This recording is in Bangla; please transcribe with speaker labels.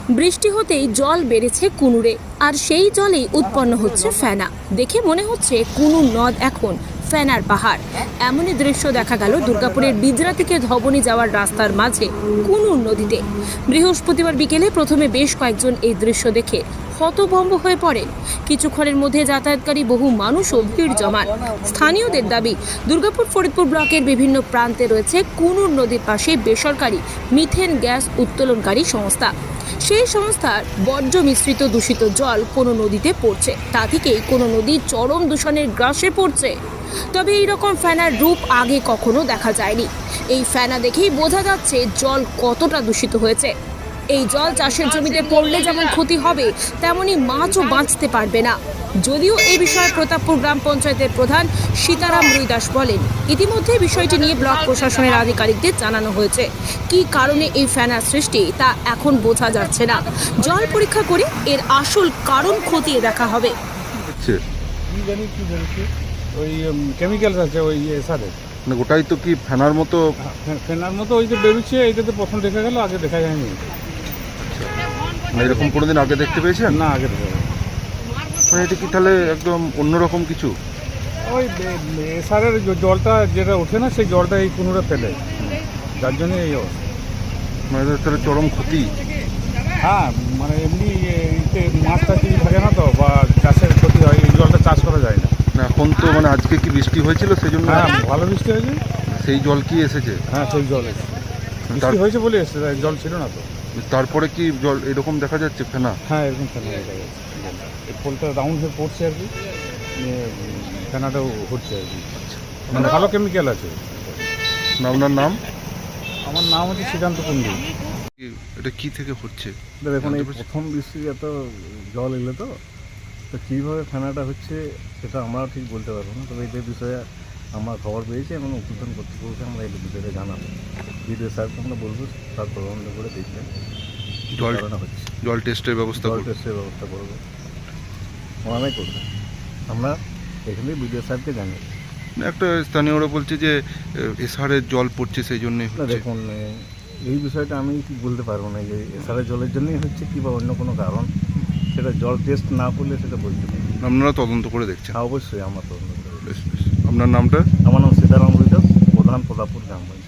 Speaker 1: বৃষ্টি হতেই জল বেড়েছে কুনুরে, আর সেই জলেই উৎপন্ন হচ্ছে ফেনা। দেখে মনে হচ্ছে কুনুর নদ এখন ফেনার পাহাড়। এমনই দৃশ্য দেখা গেল দুর্গাপুরের বিজরা থেকে ধবনী যাওয়ার রাস্তার মাঝে কুনুর নদীতে। বৃহস্পতিবার বিকেলে প্রথমে বেশ কয়েকজন এই দৃশ্য দেখে হতভম্ব হয়ে পড়েন। কিছুক্ষণের মধ্যে যাতায়াতকারী বহু মানুষও ভিড় জমান। স্থানীয়দের দাবি, দুর্গাপুর ফরিদপুর ব্লকের বিভিন্ন প্রান্তে রয়েছে কুনুর নদীর পাশে বেসরকারি মিথেন গ্যাস উত্তোলনকারী সংস্থা। সেই সংস্থার বর্জ্য মিশ্রিত দূষিত জল কোনো নদীতে পড়ছে, তা থেকেই কোনো নদী চরম দূষণের গ্রাসে পড়ছে। তবে এই রকম ফেনার রূপ আগে কখনো দেখা যায়নি। এই ফেনা দেখেই বোঝা যাচ্ছে জল কতটা দূষিত হয়েছে। এই জল চাষের জমিতে পড়লে যেমন ক্ষতি হবে, তেমনি মাছও বাঁচতে পারবে না। যদিও এই বিষয়ে প্রতাপপুর গ্রাম পঞ্চায়েতের প্রধান সীতারাম রুইদাস বলেন, ইতিমধ্যে বিষয়টি নিয়ে ব্লক প্রশাসনের আধিকারিকদের জানানো হয়েছে। কী কারণে এই ফেনার সৃষ্টি তা এখন বোঝা যাচ্ছে না। জল পরীক্ষা করে এর আসল কারণ খতিয়ে দেখা হবে।
Speaker 2: ওই কেমিক্যাল আছে ওই সারে,
Speaker 3: মানে গোটাই তো কি ফেনার মতো?
Speaker 2: ফেনার মতো ওই যে বেরোচ্ছে, এইটাতে প্রথম দেখা গেল, আগে দেখা যায়নি।
Speaker 3: মানে এরকম কোনোদিন আগে দেখতে পেয়েছেন?
Speaker 2: না, আগে দেখা যায়নি।
Speaker 3: মানে এটা কি তাহলে একদম অন্যরকম কিছু?
Speaker 2: ওই সারের জলটা যেটা ওঠে না, সেই জলটা এই কুনুরে ফেলে, যার জন্য এই অবস্থা।
Speaker 3: মানে এদের তাহলে চরম ক্ষতি।
Speaker 2: হ্যাঁ, মানে এমনি মাছ টাছ থাকে না তো, বা চাষের ক্ষতি হয়, এই জলটা চাষ করা যায় না।
Speaker 3: না এখন তো মানে আজকে কি বৃষ্টি হয়েছিল সেই জন্য?
Speaker 2: হ্যাঁ, ভালো বৃষ্টি হয়েছে।
Speaker 3: সেই জল কি এসেছে?
Speaker 2: হ্যাঁ, সেই জল এসেছে, বৃষ্টি হয়েছে বলে এসেছে, জল ছিল না তো।
Speaker 3: তারপরে কি জল এরকম দেখা যাচ্ছে ফেনা?
Speaker 2: হ্যাঁ, এরকম ফেনা দেখা যাচ্ছে। এই পোলটা রাউন্ড হয়ে পড়ছে আর কি, ফেনাটাও হচ্ছে আর কি। মানে ভালো কেমিক্যাল আছে।
Speaker 3: আপনার নাম?
Speaker 2: আমার নাম হচ্ছে শ্রীকান্ত কুণ্ডু।
Speaker 3: এটা কি থেকে হচ্ছে?
Speaker 4: দেখুন, এই প্রথম বৃষ্টি এত জল এলো তো কীভাবে ফেনাটা হচ্ছে সেটা আমরা ঠিক বলতে পারবো না। তবে এই বিষয়ে আমরা খবর পেয়েছি এবং উদ্বোধন কর্তৃপক্ষকে আমরা এই বিষয়ে জানাবো। বিডিও স্যারকে আমরা বলবো, তার তদন্ত করে দেখবেন
Speaker 3: জল
Speaker 4: হচ্ছে।
Speaker 3: জল টেস্টের ব্যবস্থা
Speaker 4: জল টেস্টের ব্যবস্থা করবো, ওনারাই করবে। আমরা এখানে বিডিও স্যারকে জানাই।
Speaker 3: একটা স্থানীয়রা বলছে যে এসআরের জল পড়ছে সেই জন্যই
Speaker 4: না,
Speaker 3: হচ্ছে।
Speaker 4: দেখুন, এই বিষয়টা আমি ঠিক বলতে পারবো না যে এসআরের জলের জন্যই হচ্ছে কি বা অন্য কোনো কারণ, সেটা জল টেস্ট না করলে সেটা বলতে পারি।
Speaker 3: আপনারা তদন্ত করে দেখছেন?
Speaker 4: হ্যাঁ, অবশ্যই আমরা তদন্ত করি।
Speaker 3: বেশ বেশ। আপনার নামটা?
Speaker 4: আমার নাম সীতারাম রুইদাস, প্রধান প্রতাপপুর গ্রাম পঞ্চায়েত।